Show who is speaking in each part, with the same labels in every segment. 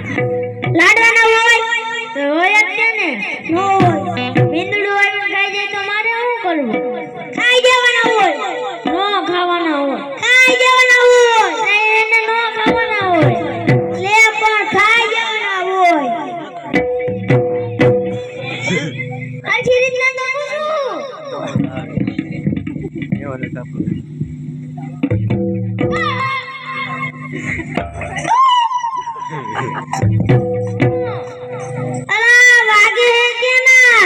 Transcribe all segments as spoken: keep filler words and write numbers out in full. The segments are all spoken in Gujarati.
Speaker 1: લાડવાના હોય તો હોય જ છે ને નો હોય મીંદડું આવીને ખાઈ જાય તો મારે શું કરવું ખાઈ જવાના હોય નો ખાવાના હોય ખાઈ જવાના હોય એને નો ખાવાના હોય લે પણ ખાઈ જવાના હોય આખી રીતના તો પૂછું
Speaker 2: એવો ને સાપ
Speaker 1: અલા વાગે હે કે ના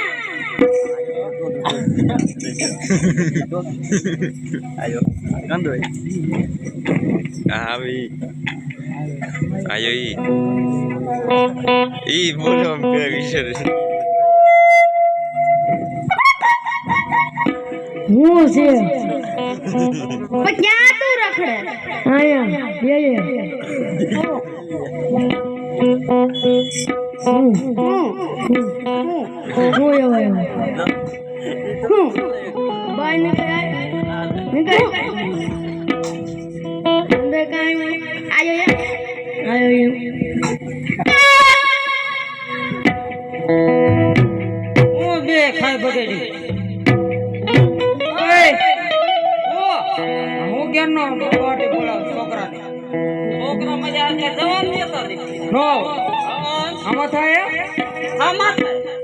Speaker 2: આયો કંદો આવી આયો ઈ ઈ બોલો કે વિશે
Speaker 1: હું છે પણ ક્યાં તું રખડે આયા યે યે હું હું હું યો યો હું બાય ને કાય ને કાય અંદર કાય આયો યે આયો યે
Speaker 3: હું બે ખાઈ બગડી હું કેનો વાટે બોલાવ છોકરાને છોકરા મજા કે જવાન દેતો નો આમાં થાય આમાં થાય